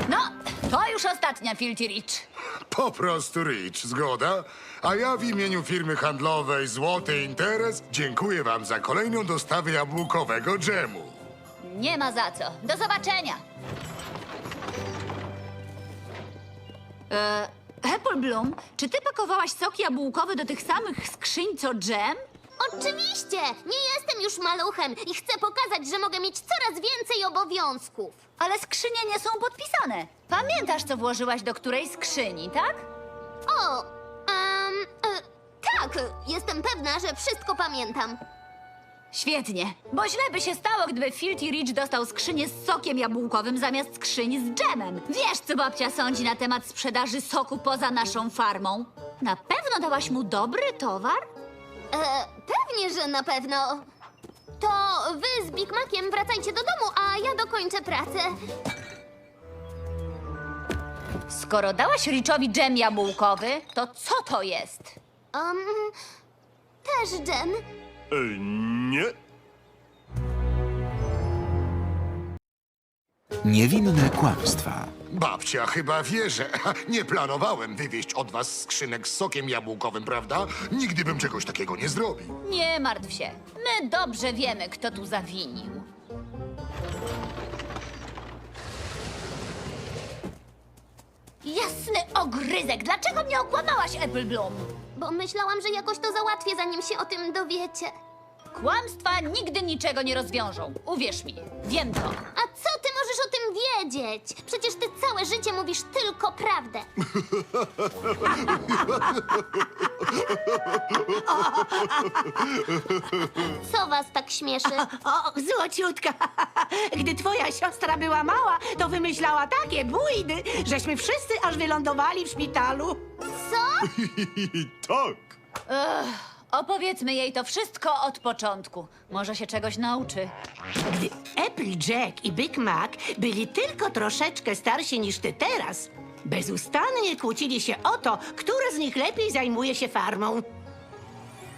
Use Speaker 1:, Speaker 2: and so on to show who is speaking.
Speaker 1: No, to już ostatnia, Filthy Rich.
Speaker 2: Po prostu Rich, zgoda? A ja w imieniu firmy handlowej Złoty Interes dziękuję wam za kolejną dostawę jabłkowego dżemu.
Speaker 1: Nie ma za co. Do zobaczenia. Apple Bloom, czy ty pakowałaś sok jabłkowy do tych samych skrzyń co dżem?
Speaker 3: Oczywiście! Nie jestem już maluchem i chcę pokazać, że mogę mieć coraz więcej obowiązków.
Speaker 1: Ale skrzynie nie są podpisane. Pamiętasz, co włożyłaś do której skrzyni, tak?
Speaker 3: O, tak, jestem pewna, że wszystko pamiętam.
Speaker 1: Świetnie, bo źle by się stało, gdyby Filthy Rich dostał skrzynię z sokiem jabłkowym zamiast skrzyni z dżemem. Wiesz, co babcia sądzi na temat sprzedaży soku poza naszą farmą? Na pewno dałaś mu dobry towar?
Speaker 3: Pewnie, że na pewno. To wy z Big Maciem wracajcie do domu, a ja dokończę pracę.
Speaker 1: Skoro dałaś Richowi dżem jabłkowy, to co to jest?
Speaker 3: Też dżem.
Speaker 2: Nie.
Speaker 4: Niewinne kłamstwa.
Speaker 2: Babcia chyba wie, że nie planowałem wywieźć od was skrzynek z sokiem jabłkowym, prawda? Nigdy bym czegoś takiego nie zrobił.
Speaker 1: Nie martw się, my dobrze wiemy, kto tu zawinił. Jasny ogryzek, dlaczego mnie okłamałaś, Apple Bloom?
Speaker 3: Bo myślałam, że jakoś to załatwię, zanim się o tym dowiecie.
Speaker 1: Kłamstwa nigdy niczego nie rozwiążą. Uwierz mi, wiem to.
Speaker 3: A co ty możesz o tym wiedzieć? Przecież ty całe życie mówisz tylko prawdę. Co was tak śmieszy?
Speaker 5: O, złociutka! Gdy twoja siostra była mała, to wymyślała takie bójdy, żeśmy wszyscy aż wylądowali w szpitalu.
Speaker 3: Co?
Speaker 2: Tak.
Speaker 1: Opowiedzmy jej to wszystko od początku. Może się czegoś nauczy.
Speaker 5: Gdy Applejack i Big Mac byli tylko troszeczkę starsi niż ty teraz, bezustannie kłócili się o to, który z nich lepiej zajmuje się farmą.